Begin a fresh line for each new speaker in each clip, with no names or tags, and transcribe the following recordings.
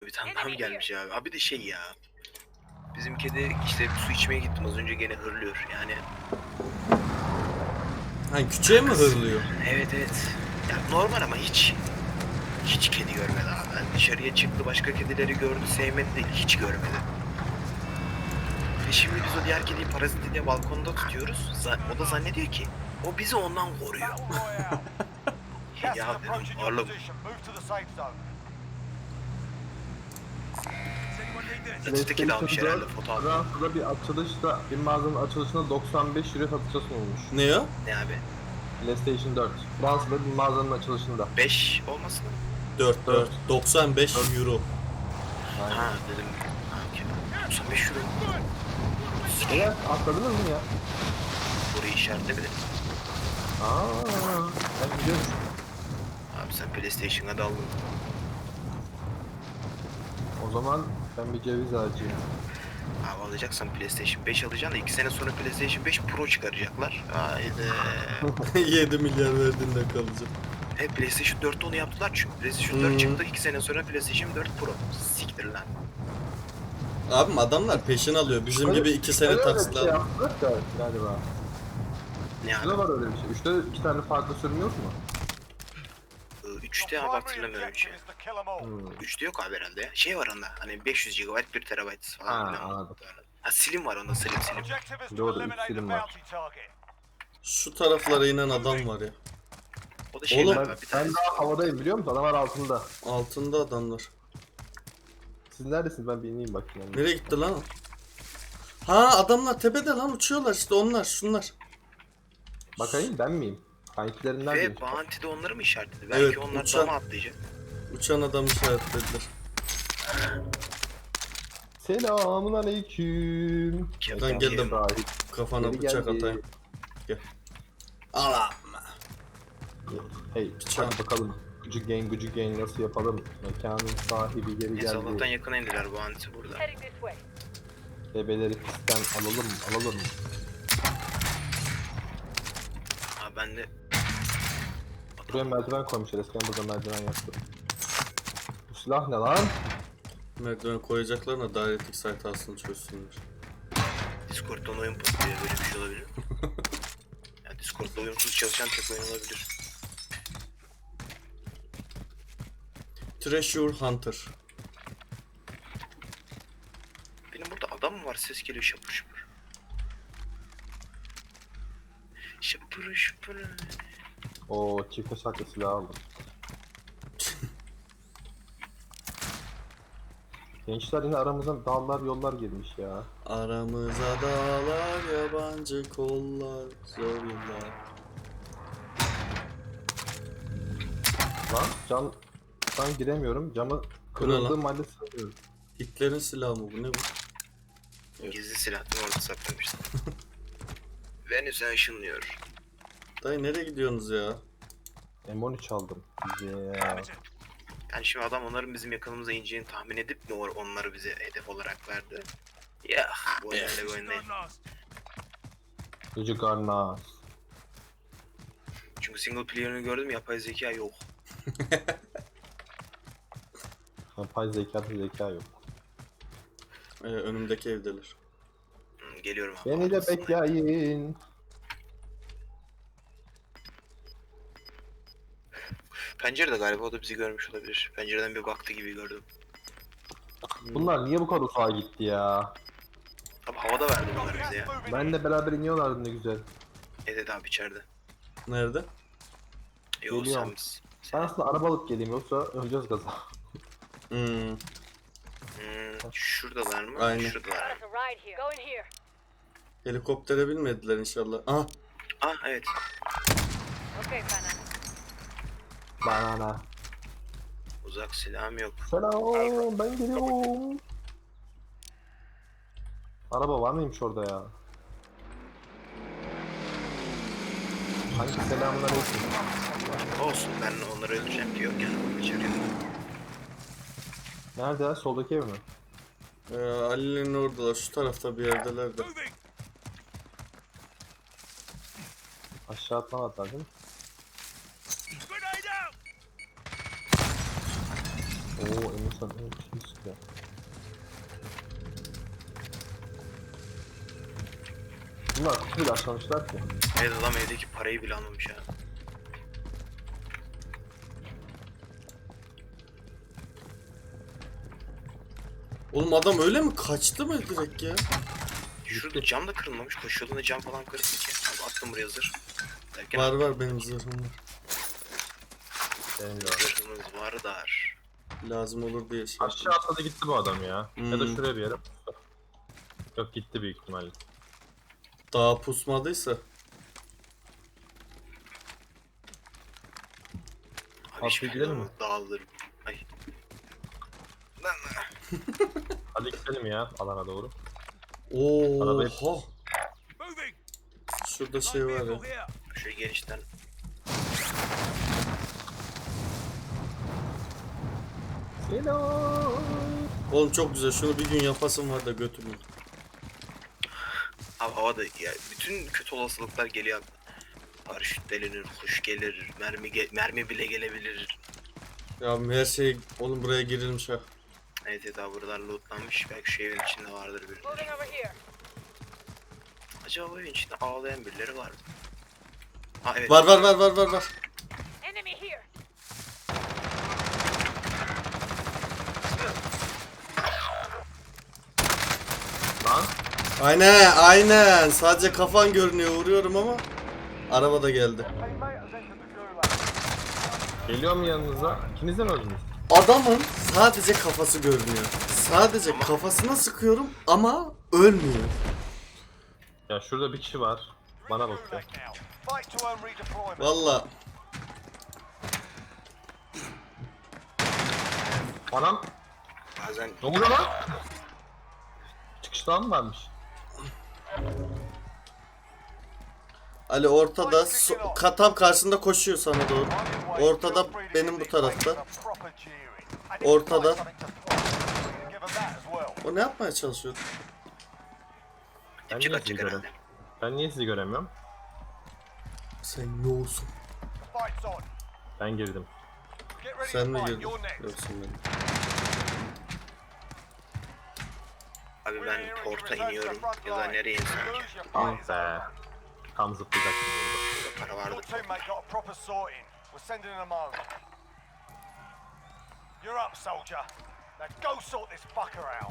Bir tane daha mı gelmiş abi? Abi de şey ya. Bizim kedi işte su içmeye gittim az önce gene hırlıyor yani.
Hani küçüğe mi hırlıyor?
Evet evet. Ya normal ama hiç kedi görmedi abi. Yani dışarıya çıktı başka kedileri gördü sevmedi değil hiç görmedi. Ve şimdi biz o diğer kediyi paraziti diye balkonda tutuyoruz. O da zannediyor ki o bizi ondan koruyor. Ya dedim oğlum öteki de almış herhalde foto aldı.
Fransa'da bir açılışta, bir mağazanın açılışında 95 euro satışa sunulmuş.
Ne o?
Ne abi?
PlayStation 4. Fransa'da bir mağazanın açılışında.
5 olmasın mı?
4 4. 95 euro.
Ha dedim. Ha, 95 euro.
Evet, atladınız mı ya?
Burayı işaretle bile.
Ben gidiyorum.
Abi sen PlayStation'a daldın.
O zaman ben bir ceviz ağacıyım.
Abi alacaksan PlayStation 5 alacaksın da 2 sene sonra PlayStation 5 Pro çıkaracaklar. Haydi.
7 milyar verdiğinde kalacak.
PlayStation 4'te onu yaptılar çünkü. PlayStation 4 çıktı 2 sene sonra PlayStation 4 Pro. Siktir lan.
Abim adamlar peşin alıyor. Bizim gibi 2 sene
Öyle bir
taksitler.
şey yaptık da galiba.
Ne
Üçte
abi?
var öyle bir şey. Üçte 2 tane farklı sürüm yok mu?
3'te abi hatırlamıyorum bir şey. 3'te yok abi herhalde ya. Şey var onda hani 500 GB 1 TB falan.
Ha,
filan.
anladım.
Ha Slim var onda Slim.
Doğru, 3 sürüm var.
Şu taraflara inen adam var ya.
O da şey
Oğlum,
var abi bir
Ben
tanesi.
daha havadayım biliyor musun? Adamlar altında.
Altında adamlar.
Siz neredesiniz? Ben bir ineyim bakayım.
Nereye gitti lan o? Ha adamlar tepede lan uçuyorlar işte onlar şunlar.
Bakayım ben miyim? Kankilerinden miyim?
Ve Bounty de onları mı işaretledi? Belki
Evet,
onlar
uçan-
dama atlayacak.
Uçan adam işaretlediler.
Selamun aleyküm.
Ben geldim.
Sahip.
Kafana
Geri
bıçak
geldi.
atayım. Gel. Allah.
Hey, hadi bakalım. Gucu gang nasıl yapalım? Mekanın sahibi geri
Neyse Allah'tan
geldi.
yakına indiler Bounty burada.
Heading this way.
Bebeleri pistten alalım.
Abi ben de
Buraya merdiven koymuşlar. Eskiden burada merdiven yoktu. Bu silah ne lan?
Merdiven koyacaklarına dairetik site alsın çözsünler.
Discord'dan oyun patlıyor böyle bir şey olabilir mi? Ya Discord'da uyumsuz çalışan tek oyun olabilir.
Treasure Hunter.
Benim burada adam mı var? Ses geliyor şapır şapır. Şapır şapır.
Oo, çift bıçaklı silah aldım. Gençler yine aramıza dağlar yollar girmiş ya.
Aramıza dağlar, yabancı kollar, zor yıllar.
Lan ben giremiyorum. Camı
lan?
kırıldığım halde sığıyorum.
Hitler'in silahı mı bu ne bu?
Gizli silahını orada saklamıştım. Venüs'e ışınlıyor.
Dayı nereye gidiyorsunuz ya?
M13 aldım. Yeah.
Yani şimdi adam onların bizim yakınımıza ineceğini tahmin edip mi onları bize hedef olarak verdi? Ya bu oyun öyle bir oyun değil.
Gıcık Arnaz.
Çünkü single player'ını gördüm yapay zeka yok.
Yapay zeka yok.
Önümdeki evdeler.
Geliyorum abi.
Beni de
arkasındayım.
bekleyin.
Pencerede galiba o da bizi görmüş olabilir. Pencereden bir baktı gibi gördüm.
Bunlar niye bu kadar uzağa gitti ya?
Abi havada verdi bunları bize ya.
Benle beraber iniyorlardı ne güzel.
Evet abi içeride.
Nerede?
Yok
Geliyorum.
sen biz.
Ben aslında araba alıp geleyim yoksa öleceğiz gaza.
Şuradalar mı?
Aynen.
Şuradalar.
Got us a ride here. Go in here.
Helikoptere binmediler inşallah. Ah
Ah evet.
Okay, Fana.
Banana.
Uzak silahım yok.
Selam, ben geliyorum. Araba var mıymış orada ya? Hangi selamünaleyküm.
Olsun ben onları öldüreceğim ki yok yani. İçeriye.
Nerede? Soldaki ev mi?
Ali'nin oradalar şu tarafta bir yerdeler de.
Aşağı atlamadılar değil mi? Oo, Emirsan, evet, ya. Bunlar kutu bile açmamışlar ki.
Evet adam evdeki parayı bile almamış ha.
Oğlum adam öyle mi kaçtı mı direkt ya?
Şurada cam da kırılmamış. Koşu yolunda cam falan kırık ki. Abi attım buraya zırh. Derken
Var var benim zırhım var.
Benim de var.
zırhımız var dar.
Lazım olur diye şey
Aşağı
yaptım.
atladı gitti bu adam ya. Ya da
Hmm.
şuraya bir yere. Yok gitti büyük ihtimalle.
Daha pusmadıysa.
Abi
Abi
hiçbir
gidelim mi?
dağılırım. Ay. Lan.
Hadi gidelim ya alana doğru.
Oha. Şurada şey var ya.
Şöyle genişten.
Hello.
Oğlum çok güzel. Şunu bir gün yapasım var da götürmüyor.
Abi havada ya bütün kötü olasılıklar geliyor abi. Paraşüt delinir, kuş gelir, mermi bile gelebilir.
Ya her şey oğlum buraya girilmiş ha.
Evet evet abi buralar lootlanmış. Belki şu evin içinde vardır birileri.
Moving over here.
Acaba bu evin içinde ağlayan birileri var mı? Ha evet.
Var var var var var var.
Enemy here.
Lan.
Aynen aynen. Sadece kafan görünüyor vuruyorum ama. Araba da geldi.
Geliyor mu yanınıza? İkiniz de mi öldünüz?
Adamın sadece kafası görünüyor. Sadece kafasına sıkıyorum ama ölmüyor.
Ya şurada bir kişi var. Bana bakıyor.
Valla
Anam.
Bazen
Ne oluyor lan? Çıkıştan mı varmış?
Ali ortada tam karşında koşuyor sana doğru. Ortada benim bu tarafta. Ortada. O ne yapmaya çalışıyor?
Ben
dipçik
niye sizi
atacak
göremiyorum?
herhalde.
Ben niye sizi göremiyorum?
Sen ne olsun?
Ben girdim.
Sen mi girdin? Yoksun benim.
Abi ben porta iniyorum ya da nereye insem ki?
Ah be. Tam zıplayacaktım burada.
Burada para
Your
vardı.
teammate got a proper sorting. We're sending him home. You're up, soldier. Now go sort this fucker out.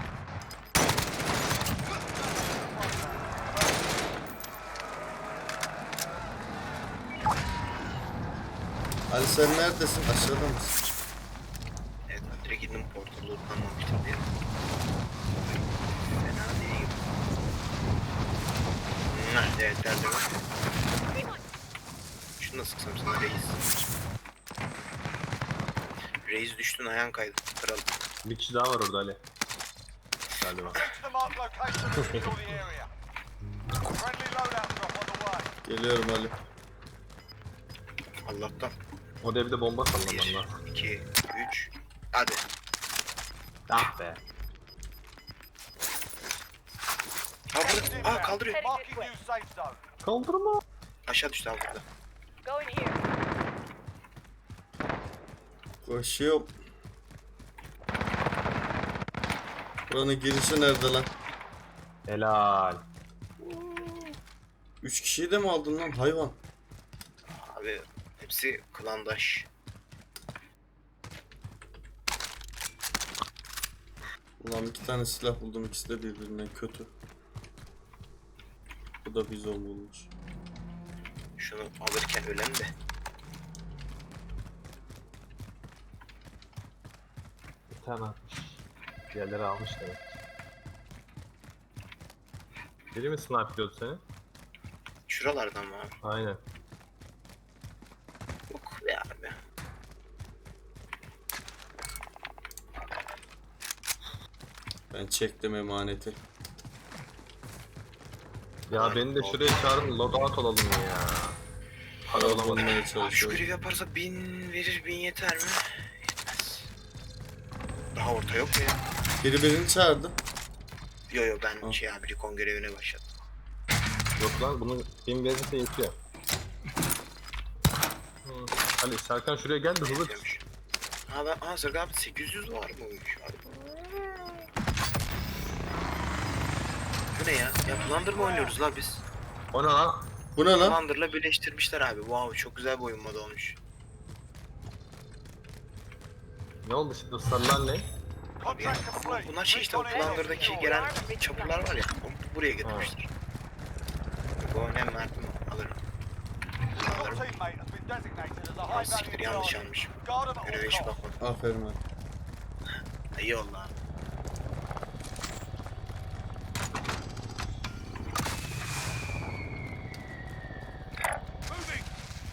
Ali sen neredesin? Aşağıda mısın?
Evet ben direkt indim porta lootlanmamıştım diye. Fena değil. Evet derdim var. Şunu da sıksam sana reis. Reis düştün ayağın kaydı. Kral.
Bir kişi daha var orada Ali. Galiba.
Get to the marked location and secure the area. Friendly loadout drop on the way.
Geliyorum Ali.
Allah'tan.
O devde bomba
1,
sallaman lazım.
2, 3. Hadi.
Ah be.
Ha burada. Aa kaldırıyor.
Marking new safe zone.
Kaldırma.
Aşağı düştü abi burada.
Going here.
Koşuyorum. Buranın girişi nerede lan?
Helal.
3 kişiyi de mi aldın lan hayvan?
Abi hepsi klandaş.
Ulan 2 tane silah buldum, ikisi de birbirinden kötü. Bu da bizon bulmuş.
Şunu alırken ölen de.
Bir tane atmış. Diğerleri almış demek. Biri mi snipe'liyordu seni?
Şuralardan mı abi?
Aynen.
Yok be abi.
Ben çektim emaneti.
Ya beni de şuraya çağırın loadout olalım ya. Para
Para
bulamadım.
bulmaya
Abi şu
çalışıyorum.
görevi yaparsa 1000 verir, 1000 yeter mi? Yetmez. Daha orta yok mu ya?
Biri birini çağırdı.
Yo yo ben
Hı.
şey abi Recon görevine başladım.
Yok lan bunun benim verirse yetiyor. Ali Serkan şuraya gel de hızlı.
Yetiyormuş. Ha ben Sırgı abi 800 var mıymış abi? ne ya? Ya Plunder mı oynuyoruz la biz?
O ne lan?
Bu ne lan?
Plunder'la birleştirmişler abi. Wow, çok güzel bir oyun modu olmuş.
Ne oldu şimdi sarılar ne?
Abi ya,
Contract complete.
bunlar şey işte o Plunder'daki gelen çapurlar var ya. Onu buraya getirmişler. Bu önemli Mert mi? Alırım.
Your
Alırım.
teammate has been designated as a
Ha
high
siktir,
value
yanlış
target.
almışım.
Guard them at
Göreve
all
hiç
costs.
bakmadım.
Aferin abi.
İyi oldu abi.
Moving.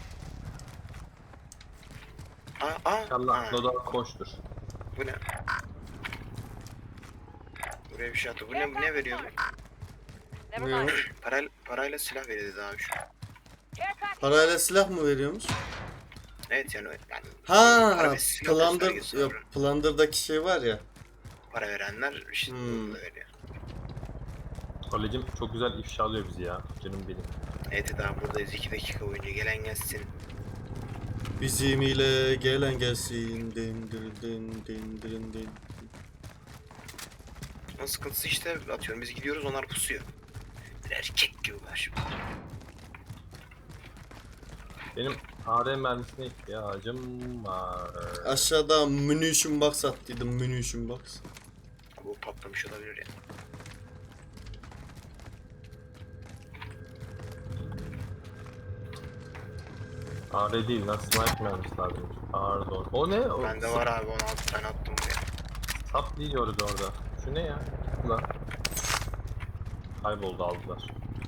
Allah
Ha,
Doda koştur.
bu ne? Buraya bir şey attı. Bu ne veriyor bu?
Never
Ne
mind.
o?
Parayla silah veriyordu abi şu.
Care package.
Parayla silah mı veriyormuş?
Evet yani
Ha,
para ve silah
Plunder,
göstergesi
ya,
var.
Plunder'daki şey var ya.
Para verenler işte bunu da veriyor.
Kalecim çok güzel ifşa alıyor bizi ya. Canım benim.
Evet daha buradayız 2 dakika boyunca gelen gelsin.
Bizim ile gelen gelsin. Din din din din din din.
Ama sıkıntısı işte atıyorum biz gidiyoruz onlar pusuyor. Bir erkek gibi var şimdi.
Benim AR mermisine ihtiyacım var.
Aşağıda munition box attıydım, munition box.
Bu patlamış olabilir ya.
AR değil lan sniper mermisi lazım. Pardon. O ne? O
Bende var abi 16 tane attım buraya.
Sap diyoruz orada. Şu ne ya? Lan. Kayboldu aldılar.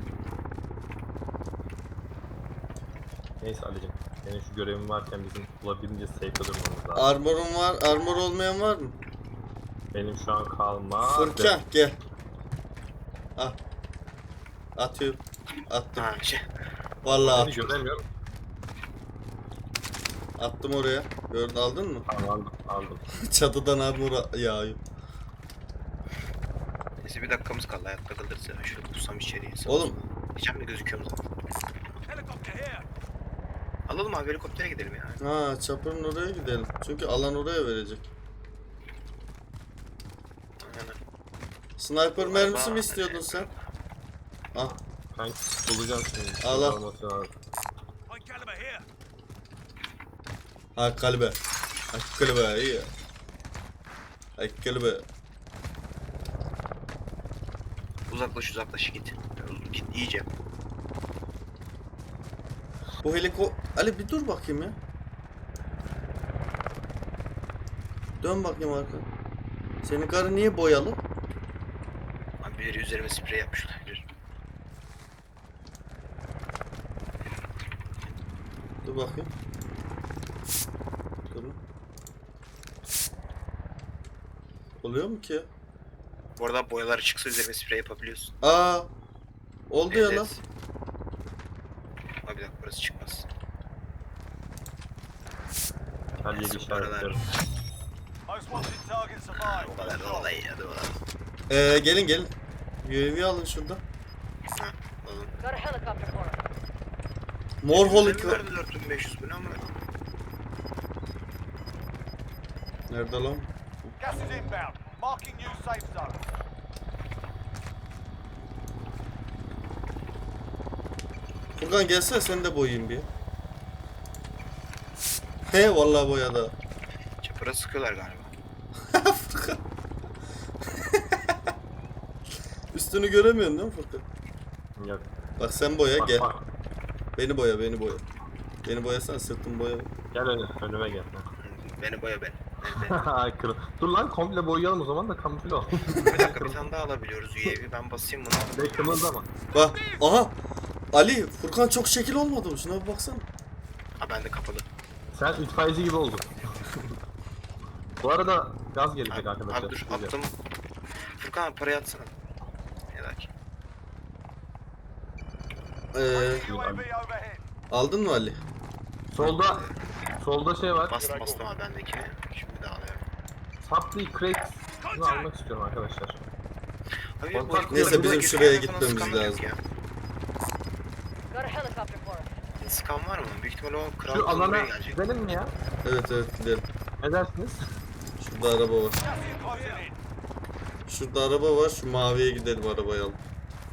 Neyse Ali'cim. Senin şu görevin varken bizim olabildiğince safe'de durmamız lazım.
Armor'um var, armor olmayan var mı?
Benim şu an kalma.
Furkan gel. Al. Atıyorum. Attım.
Ha şey.
Vallahi
Seni
attım.
göremiyorum.
Attım oraya. Gördün, aldın mı?
Tamam aldım. Aldım.
Çatıdan armor yağıyor.
Neyse bir dakikamız kaldı hayatta kalırız ya. Şöyle pusam içeriye.
Oğlum.
Diyeceğim de gözüküyor mu zaten?
Helicopter here.
Alalım abi helikoptere gidelim ya.
Ha, çapırın oraya gidelim. Çünkü alan oraya verecek.
Aynen.
Sniper mermisi mi istiyordun sen? Ah,
Ben bulacağım şimdi.
Al, al.
Olması lazım.
High caliber here.
ha kalbe. Ha kalbe iyi. Ha kalbe.
Uzaklaş git. Git iyice.
Bu Ali bir dur bakayım ya. Dön bakayım arka. Senin karı niye boyalı?
Abi biri üzerime sprey yapmış olabilir.
Dur bakayım. Dur. Oluyor mu ki?
Bu arada boyalar çıksa üzerime sprey yapabiliyorsun.
Aa. Oldu ya
Evet.
lan.
Abi bir dakika burası çıkmaz.
Her yeri
Neyse, bu aralar-
işaretlerim.
Most wanted target survived.
O kadar da olay ya da olay.
Gelin. UAV alın şuradan.
Ha alalım.
Got a helicopter for us.
Mor
Üzerime
holik.
verdi 4500 bu ne ama?
Nerede lan?
Gas is inbound. Marking new safe zone.
Furkan gelsene sen de boyayayım bir. He vallahi boyadı.
Çapıra sıkıyorlar galiba.
Furkan. Üstünü göremiyorsun değil mi Furkan?
Yok.
Bak sen boya
Bak,
gel.
bak.
Beni boya. Beni boyasan sırtımı boya.
Gel önüme gel.
Beni boya ben.
Ay kırıl. Dur lan komple boyayalım o zaman da kamufle ol.
Bir dakika bir tane daha alabiliyoruz UAV. Ben basayım bunu.
Ve kımıldama.
Bak. Aha. Ali Furkan çok şekil olmadı mı? Şuna bir baksana.
Ha bende kapalı.
Sen itfaiyeci gibi oldun. Bu arada gaz gelecek
Abi,
arkadaşlar.
abi dur
Güzel.
attım. Furkan abi parayı atsana. Ne der ki?
UAV overhead.
Aldın mı Ali?
Solda şey var.
Bastım abi bendekini. Şimdi de alıyorum.
Supply crate. Bunu almak istiyorum arkadaşlar.
Abi,
Kontak-
bu helikopter
Neyse, bizim
burada
şuraya
gezerken falan
gitmemiz
sıkan yok
lazım.
ya.
Got a helicopter for us.
Sıkan var mı? Büyük ihtimalle o kral
Şu alana
buraya gelecek.
gidelim mi ya?
Evet gidelim.
Ne dersiniz?
Şurada araba var.
Gas is closing in.
Şurada araba var. Şu maviye gidelim arabayı alıp.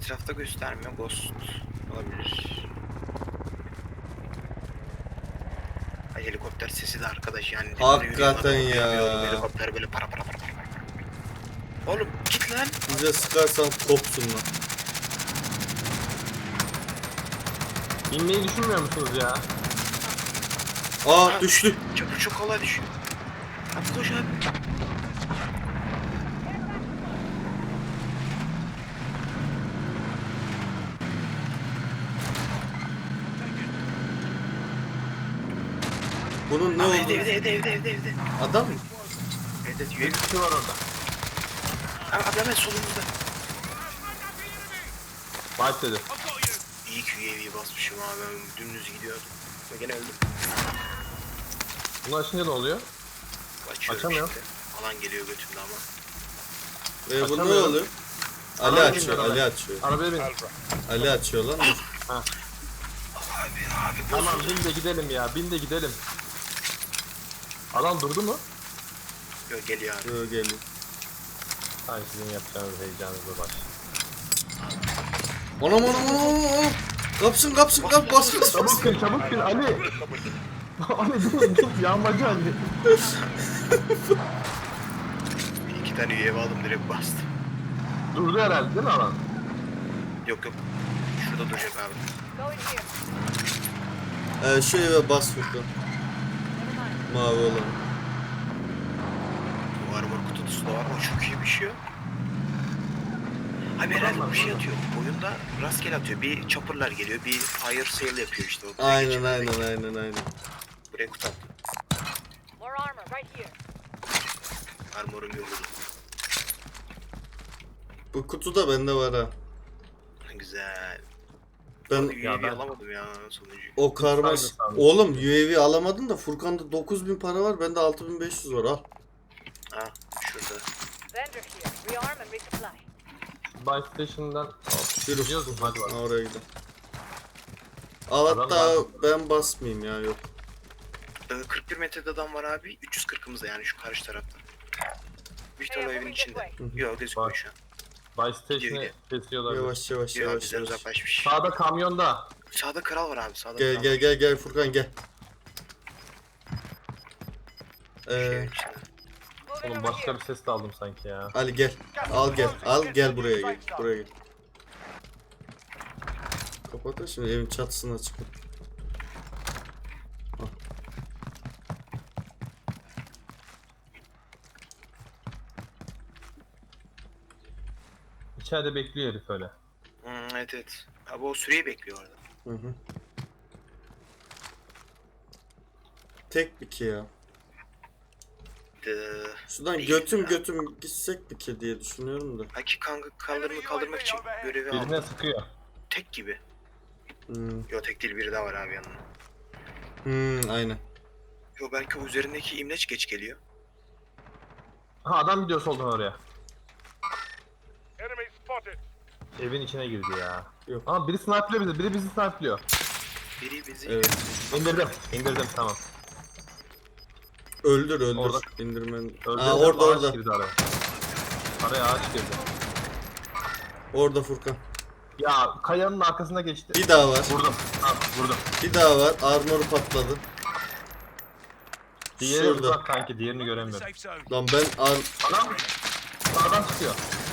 Etrafta göstermiyor. Ghost olabilir. Ay, helikopter sesi de arkadaş yani.
Hakikaten ya.
Helikopter böyle para para para para. Oğlum git lan.
Bize sıkarsan kopsun lan.
İnmeyi düşünmüyor musunuz ya?
Aa düştü.
Çabuk çok kolay düşüyor. Abi koş abi.
Bunun ne
Abi
oldu?
evde.
Adam mı?
Evet
Bir
üye.
kişi var orada.
Abi hemen solumuzda.
Fight dedi.
İyi ki UAV'yi basmışım abi. Ben dümdüz gidiyordum. Ve gene öldüm.
Bunu açınca ne oluyor?
Açıyorum
Açamıyorum.
işte. Alan geliyor götümde ama.
Bu ne
Açamıyorum.
oluyor? Ali
Arabaya
açıyor,
bin,
Ali
arabaya.
açıyor.
Arabaya bin.
Ali açıyor lan. Dur.
Abi
Tamam bin de gidelim ya. Bin de gidelim. Adam durdu mu?
Yok geliyor abi.
Yo, geliyor.
Hayır sizin yapacağınız heyecanınızla baş.
Anam. Kapsın bas.
Çabuk bin Ali. Ali dur yağmacı Ali.
Bir iki tane UAV aldım direkt bastım.
Durdu herhalde değil mi alan?
Yok. Şurada duracak abi.
Go in here.
Şu eve bas Furkan.
Never mind.
Mavi olan.
Bu armor kutusu da var ama çok iyi bir şey yok. Abi herhalde bir şey atıyor. Oyunda rastgele atıyor. Bir chopper'lar geliyor. Bir fire sale yapıyor işte. O
Aynen.
Buraya kutu attım.
More armor right here.
Armorum yok.
Bu kutu da bende var ha.
Güzel.
Ben
UAV
ben-
alamadım ya sonucu.
o karmaş...
Saygı sandım.
Oğlum UAV alamadın da Furkan'da 9000 para var. Bende 6500 var al.
Ha şurada.
Vendor here. Rearm and resupply.
Buy Station'dan
Yürü.
gidiyoruz mu? Hadi
Ha,
bakalım.
oraya gidelim. Al
Adam
hatta
var.
ben basmayayım ya yok.
41 metrede adam var abi. 340'ımızda yani şu karşı tarafta. Büyük ihtimalle o evin içinde. Yok gözükmüyor
Bak.
şu an.
Buy Station'ı
Gidiyor.
kesiyorlar.
Yavaş.
Yok bizden uzaklaşmış.
Sağda kamyonda.
Sağda kral var abi. Sağda kral var.
Gel Furkan gel.
Şeyin içinde.
Moving
Oğlum
over
başka
here.
bir ses de aldım sanki ya.
Ali gel. Al gel buraya gel. Buraya gel. Kapat da şimdi evin çatısına çıkın.
İçeride bekliyor herif öyle.
Evet. Abi o süreyi bekliyor orada.
Hı. Tek bir ki ya. Şuradan götüm gitsek bir ki diye düşünüyorum da.
Haki kanka kaldırmak için görevi
Birine
aldım.
sıkıyor.
Tek gibi.
Hmm.
Yo tek değil biri daha var abi yanında.
Aynen.
Yo belki o üzerindeki imleç geç geliyor.
Ha adam gidiyor soldan oraya.
Enemy spotted.
Evin içine girdi ya.
Yok.
Ama biri sniper'lıyor bizi. Biri bizi sniper'lıyor.
Biri bizi
Evet.
İndirdim tamam.
Öldür.
Orada.
İndirmen.
Öldürdüm,
Aa orada.
ağaç girdi araya. Araya ağaç girdi.
Orada Furkan.
Ya kayanın arkasına geçti.
Bir daha var.
Vurdum. Tamam vurdum.
Bir daha var. Armoru patladı.
Diğeri
Şurada.
uzak kanki. Diğerini göremiyorum.
Safe zone.
Lan ben
Adam sağdan çıkıyor.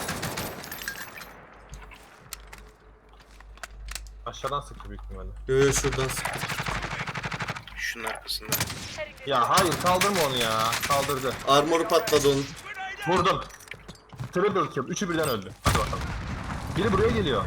Aşağıdan sıktı büyük ihtimalle.
Yo şuradan sık.
şunun arkasında.
Heading this
Ya hayır kaldırma onu ya. Kaldırdı.
Armoru patladı onun.
Vurdum. Triple kill. Üçü birden öldü. Hadi bakalım. Biri buraya geliyor.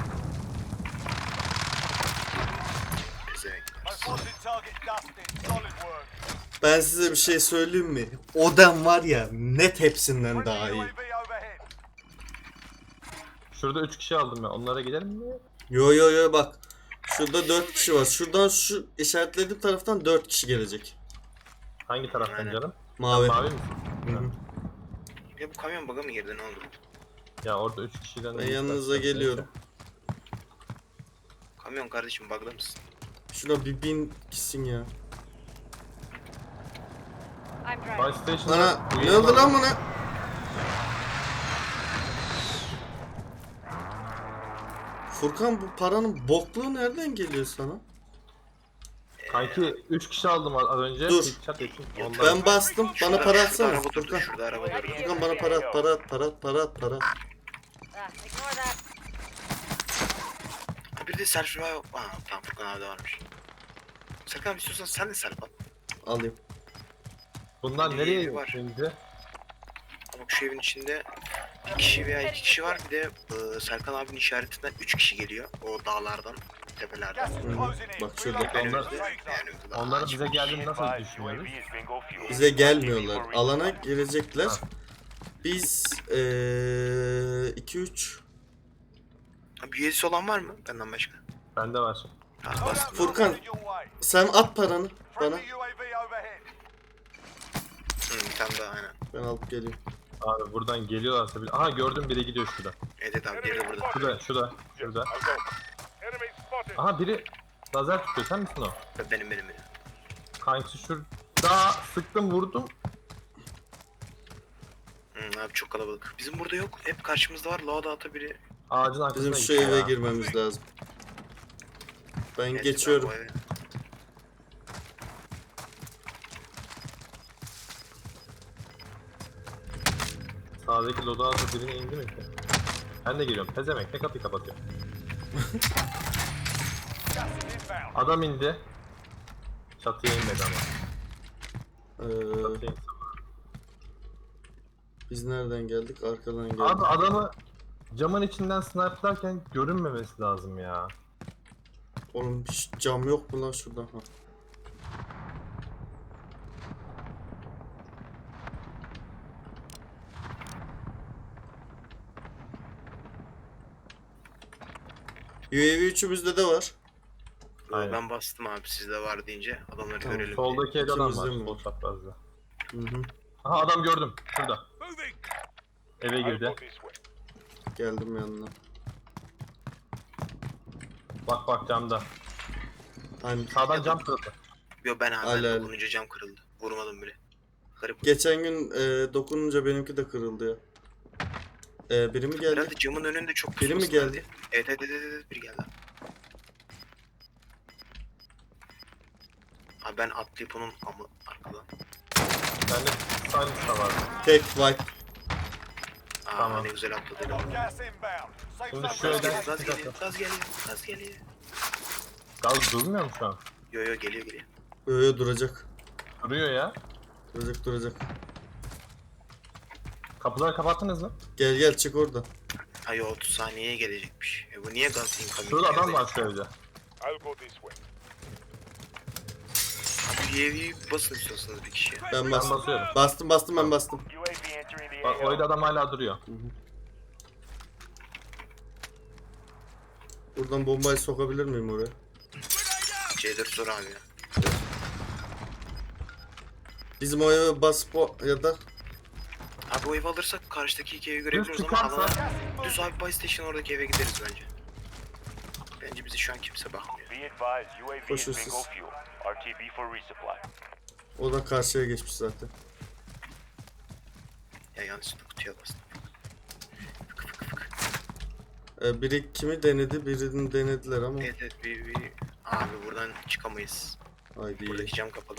Pezevenk.
I spotted target dusted. Solid work.
Ben size bir şey söyleyeyim mi? Odam var ya net hepsinden daha
Friendly
iyi.
UAV overhead.
Şurada 3 kişi aldım ya. Onlara gidelim mi?
Yo bak. Şurada 4 kişi var. Şuradan şu işaretlediğim taraftan 4 kişi gelecek.
Hangi taraftan
Aynen.
canım?
Mavi.
Mavi mi?
Hı hı.
Ya bu kamyon bug'a mı girdi ne oldu?
Ya orada 3 kişiden...
Ben yanınıza geliyorum.
Kamyon kardeşim bug'da mısın?
Şuna bir bin gitsin ya.
I'm
Buy
driving.
Station'da...
Ana ne oldu lan bana? Furkan bu paranın bokluğu nereden geliyor sana?
Kanki 3 kişi aldım az önce.
Dur.
Bir çat ettim. Ondan
Ben bastım. Bana para
Şurada
atsana
araba durdu.
Furkan.
Şurada araba durdu.
Furkan bana para at, para at, para at, para at, para at.
Ignore that.
Ha, bir de selfie var. Tamam Furkan abi de varmış. Serkan abi istiyorsan sen de selfie al.
Alayım.
bunlar
Bir
nereye
var.
şimdi?
Bak şu evin içinde bir kişi veya 2 kişi var. Bir de Serkan abinin işaretinden 3 kişi geliyor. O dağlardan, tepelerden.
Gas is closing in.
Bak şurada
Relocating
onlar-
the safe zone.
Yani daha
Onların
açık.
bize geldiğini nasıl düşünüyoruz?
Bize gelmiyorlar. Alana girecekler. Biz 2-3.
Abi üyesi olan var mı benden başka?
Bende var.
Ha, bas.
Furkan
Your way.
sen at paranı bana.
Friendly UAV overhead.
Bir tane daha aynen.
Ben alıp geleyim.
Abi buradan geliyorlarsa bir... Aha gördüm biri gidiyor şurada.
Evet abi biri de burada.
Şurada. Aha biri lazer tutuyor. Sen misin o?
Benim.
Kanki şurada sıktım vurdum.
Abi çok kalabalık. Bizim burada yok. Hep karşımızda var. Loadout'a biri.
Ağacın arkasına
Bizim şu
gitti
eve
ya.
girmemiz lazım. Ben
Evet,
geçiyorum.
abi, o eve.
Sağdaki loadout'a birine indi mi ki? Ben de geliyorum. Pezemek ne kapıyı kapatıyor.
Gas is inbound.
Adam indi. Çatıya inmedi ama.
Ee, biz nereden geldik? Arkadan geldik.
Abi adamı camın içinden sniperlarken görünmemesi lazım ya.
Oğlum hiç cam yok mu lan şurada? Ha. UAV üçümüzde de var.
Aynen.
Ben bastım abi sizde var deyince adamları
Tamam,
görelim.
Soldaki evde adam var.
İkimizde mi
Sol
var?
çaprazda.
Hı hı.
Aha adam gördüm. Şurada. Eve girdi.
Geldim yanına.
Bak camda.
Hani
Sağdan cam kırıldı.
Yo ben abi
Ali, Ali.
dokununca cam kırıldı. Vurmadım bile. Garip.
geçen gün dokununca benimki de kırıldı ya. Biri mi geldi?
Herhalde camın önünde çok
Biri mi
pusması
geldi?
vardı. Evet biri geldi. Abi ben atlayıp onun ama arkadan.
Bende silence da var.
Tek wipe.
Tamam.
Ne güzel atladı.
Got gas inbound. Safe
Şimdi
zone
şöyle-
relocated.
Gaz geliyor.
Gaz durmuyor mu şu an?
Yo geliyor.
Öyle duracak.
Duruyor ya.
Duracak.
Kapıları kapattınız mı?
Gel çık orada.
Ay 30 saniyeye gelecekmiş. Bu niye gaz incoming?
Şurada adam
geldi?
var şu evde.
Abi UAV'yi basın istiyorsanız bir kişiye.
Ben
Ben
bastım.
basıyorum.
Ben bastım.
Bak o evde adam hala duruyor.
Buradan bombayı sokabilir miyim oraya?
C4 sor abi ya.
Bizim o eve basıp ya da
Abi o evi alırsak karşıdaki iki evi
Düz
görebiliriz ama
çıkarsa
alana düz abi Buy Station oradaki eve gideriz bence. Bence bizi şu an kimse bakmıyor.
Be advised, UAV is
Koşuyorsunuz.
bingo fuel. RTB for resupply.
o da karşıya geçmiş zaten.
Ya yanlışlıkla kutuya bastım.
Biri kimi denedi, birini denediler ama.
Evet bir abi buradan çıkamayız.
Haydi.
Buradaki cam kapalı.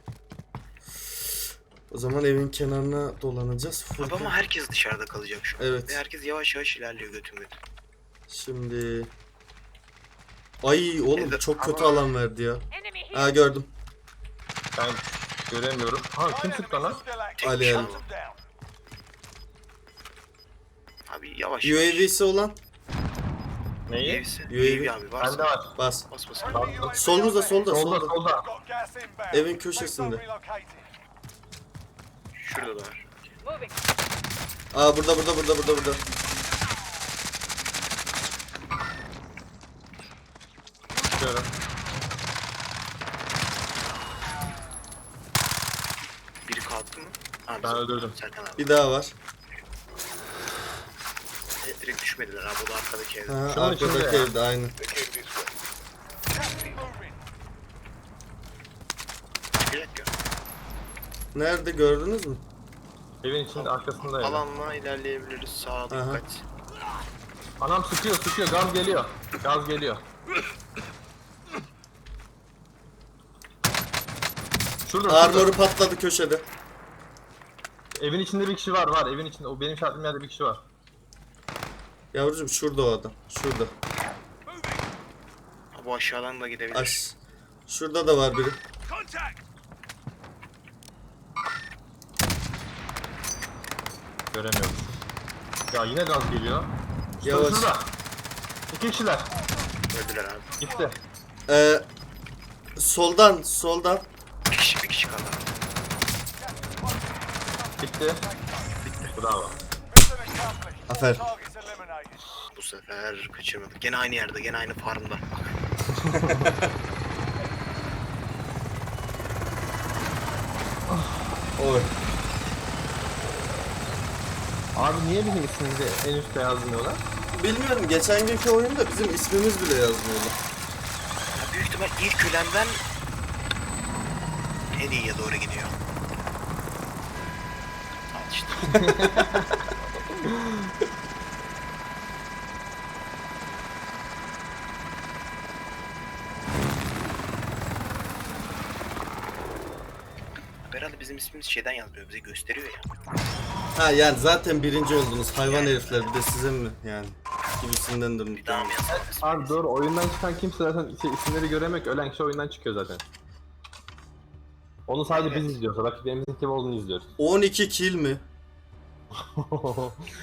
O zaman evin kenarına dolanacağız.
Abi
Furkan.
ama herkes dışarıda kalacak şu an.
Evet.
Ve herkes yavaş yavaş ilerliyor götüm.
Şimdi. Ay oğlum
Evet,
çok kötü
ama-
alan verdi ya.
Enemy here.
Ha gördüm.
ben göremiyorum. Ha kim sıktı lan?
Tek
Ali,
bir şey
Ali.
aldım. Abi yavaş
UAV'si olan
Neyi?
UAV'si.
UAV.
UAV abi varsa.
Bende var.
bas.
Bas.
Solumuzda, solda.
Solda.
Got gas inbound.
Evin
Safe
köşesinde.
zone relocated.
Şurada da var.
Moving.
Aa burada.
Çıkıyorum.
Biri kalktı mı? Abi
Ben öldürdüm.
Serkan abi.
Bir daha var.
Direkt düşmediler abi o da arkadaki evde.
Ha,
Şunun içinde
arkadaki
ya.
evde aynı.
Gas is moving.
Çıkacak ya.
Nerede gördünüz mü?
Evin içinde arkasında ya.
Alanla ilerleyebiliriz. Sağa
Aha.
dikkat.
Anam sıkıyor sıkıyor, gaz geliyor. Gaz geliyor. Şurada,
Armoru
şurada.
patladı köşede.
Evin içinde bir kişi var evin içinde. O benim şartım yerde bir kişi var.
Yavrucuğum şurada o adam. Şurada.
Ha, bu aşağıdan da gidebilir.
Şurada da var biri.
Contact!
Göremiyorum. Ya yine gaz geliyor.
Yavaş.
Şurada. İki kişiler.
Öldüler abi.
Gitti.
Soldan.
Bir kişi kaldı abi.
Gitti. Bravo.
Mission accomplished.
Aferin.
Targets eliminated.
Bu sefer kaçırmadık. Gene aynı yerde, gene aynı farmda.
Oy.
Abi niye bizim ismimizi en üstte yazmıyorlar?
Bilmiyorum, geçen günkü oyunda bizim ismimiz bile yazmıyordu.
Ya büyük ihtimal ilk ölenden en iyiye doğru gidiyor. Al işte. Herhalde bizim ismimiz şeyden yazmıyor, bize gösteriyor ya.
Ha yani zaten birinci oldunuz hayvan herifler, bir de size mi yani gibisinden
Bir daha mı yazalım?
Abi doğru, oyundan çıkan kimse zaten isimleri göremiyor ki, ölen kişi oyundan çıkıyor zaten. Onu sadece biz izliyoruz. Rakiplerimizin kim olduğunu izliyoruz.
12 kill mi?